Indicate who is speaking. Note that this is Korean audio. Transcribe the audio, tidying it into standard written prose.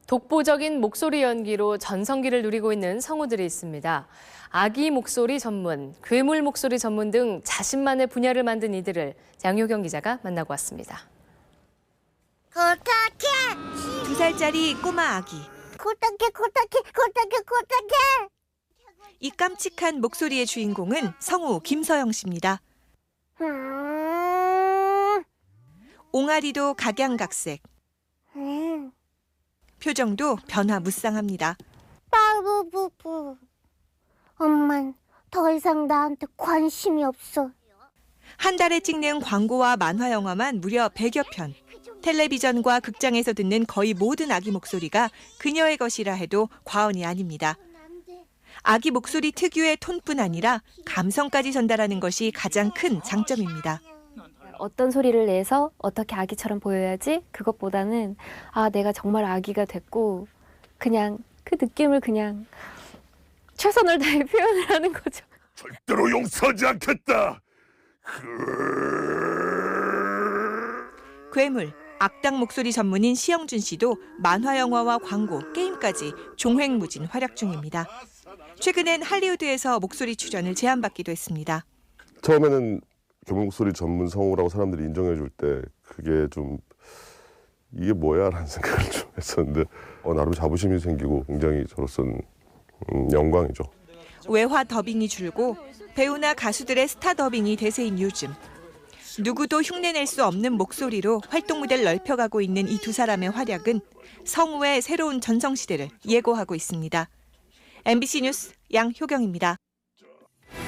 Speaker 1: 독보적인 목소리 연기로 전성기를 누리고 있는 성우들이 있습니다. 아기 목소리 전문, 괴물 목소리 전문 등 자신만의 분야를 만든 이들을 양효경 기자가 만나고 왔습니다.
Speaker 2: 고탁해!
Speaker 3: 2살짜리 꼬마 아기.
Speaker 2: 고탁해!
Speaker 3: 이 깜찍한 목소리의 주인공은 성우 김서영 씨입니다. 옹알이도 각양각색. 표정도 변화무쌍합니다.
Speaker 2: 빠부부부. 엄만 더 이상 나한테 관심이 없어.
Speaker 3: 한 달에 찍는 광고와 만화 영화만 무려 100여 편. 텔레비전과 극장에서 듣는 거의 모든 아기 목소리가 그녀의 것이라 해도 과언이 아닙니다. 아기 목소리 특유의 톤뿐 아니라 감성까지 전달하는 것이 가장 큰 장점입니다.
Speaker 4: 어떤 소리를 내서 어떻게 아기처럼 보여야지 그것보다는 내가 정말 아기가 됐고 그냥 그 느낌을 그냥 최선을 다해 표현을 하는 거죠.
Speaker 5: 절대로 용서하지 않겠다.
Speaker 3: 괴물, 악당 목소리 전문인 시영준 씨도 만화 영화와 광고, 게임까지 종횡무진 활약 중입니다. 최근엔 할리우드에서 목소리 출연을 제안받기도 했습니다.
Speaker 5: 처음에는 괴물 목소리 전문 성우라고 사람들이 인정해 줄 때 그게 좀 이게 뭐야 라는 생각을 좀 했었는데 나름 자부심이 생기고 굉장히 저로서는 영광이죠.
Speaker 3: 외화 더빙이 줄고 배우나 가수들의 스타 더빙이 대세인 요즘. 누구도 흉내낼 수 없는 목소리로 활동 무대를 넓혀가고 있는 이 두 사람의 활약은 성우의 새로운 전성시대를 예고하고 있습니다. MBC 뉴스 양효경입니다.